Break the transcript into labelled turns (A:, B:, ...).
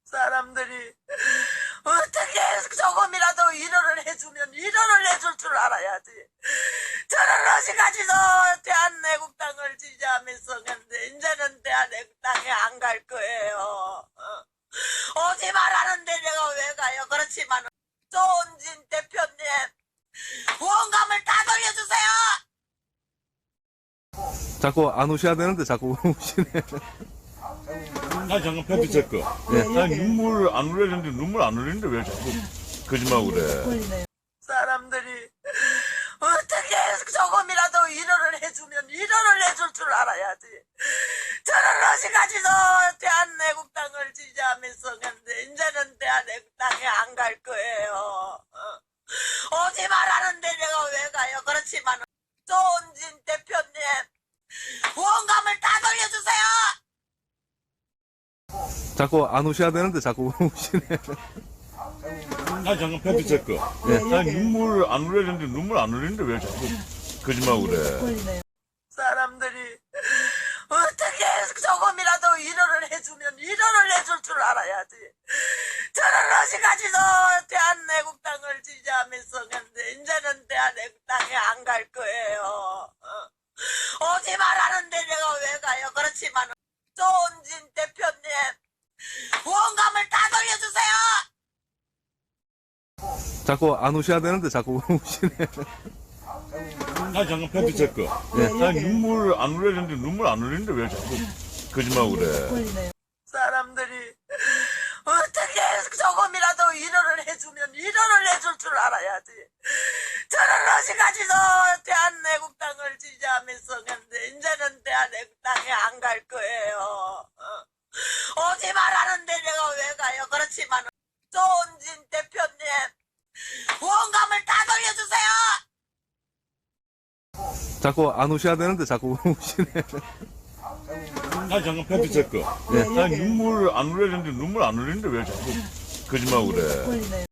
A: 사람들이 어떻게 조금이라도 위로를 해주면 위로를 해줄 줄 알아야지. 저는 어디까지도 대한애국당을 지지하면서 했는데 이제는 대한애국당에 안 갈 거예요. 오지 말라는데 내가 왜 가요? 그렇지만 조은진 대표님 후원감을 다 돌려주세요.
B: 자꾸 안 오셔야 되는데 자꾸 오시네.
C: 나 잠깐 팩트 체크. 나 눈물 안 흘리는데 눈물 안 흘리는데 왜 자꾸 거짓말 그래?
A: 사람들이 어떻게 조금이라도 위로를 해주면 위로를 해줄 줄 알아야지. 저는 어디까지도 대한애국당을 지지하면서 했는데 이제는 대한애국당에 안 갈 거예요. 오지 말라는데 내가 왜 가요? 그렇지만 조은진 대표님 후원감을 다 돌려주세요.
B: 자꾸 안 오셔야 되는데 자꾸 오시네.
C: 나 잠깐 팩트 체크. 나 눈물 안 흘리는데 눈물 안 흘리는데 왜 자꾸 거짓말 그래?
A: 사람들이 어떻게 조금이라도 위로를 해주면 위로를 해줄 줄 알아야지. 저는 어디까지도 대한애국당을 지지하면서 했는데 이제는 대한애국당에 안 갈 거예요. 오지 말라는데 내가 왜 가요? 그렇지만 조은진 대표님 후원감을 다 돌려주세요.
B: 자꾸 안 오셔야 되는데 자꾸 오시네.
C: 나 잠깐 팩트 체크. 나 눈물 안 흘리는데 눈물 안 흘리는데 왜 자꾸 거짓말 그래?
A: 사람들이 어떻게 조금이라도 위로를 해주면 위로를 해줄 줄 알아야지. 저는 어디까지도 대한애국당을 지지하면서 했는데 이제는 대한애국당에 안 갈 거예요. 오지 말라는데 내가 왜 가요? 그렇지만 조은진 대표님 후원감을 다 돌려주세요.
B: 자꾸 안 오셔야 되는데 자꾸 오시네.
C: 나 잠깐 팩트 체크. 나 눈물 안 흘리는데 눈물 안 흘리는데 왜 자꾸 거짓말 그래?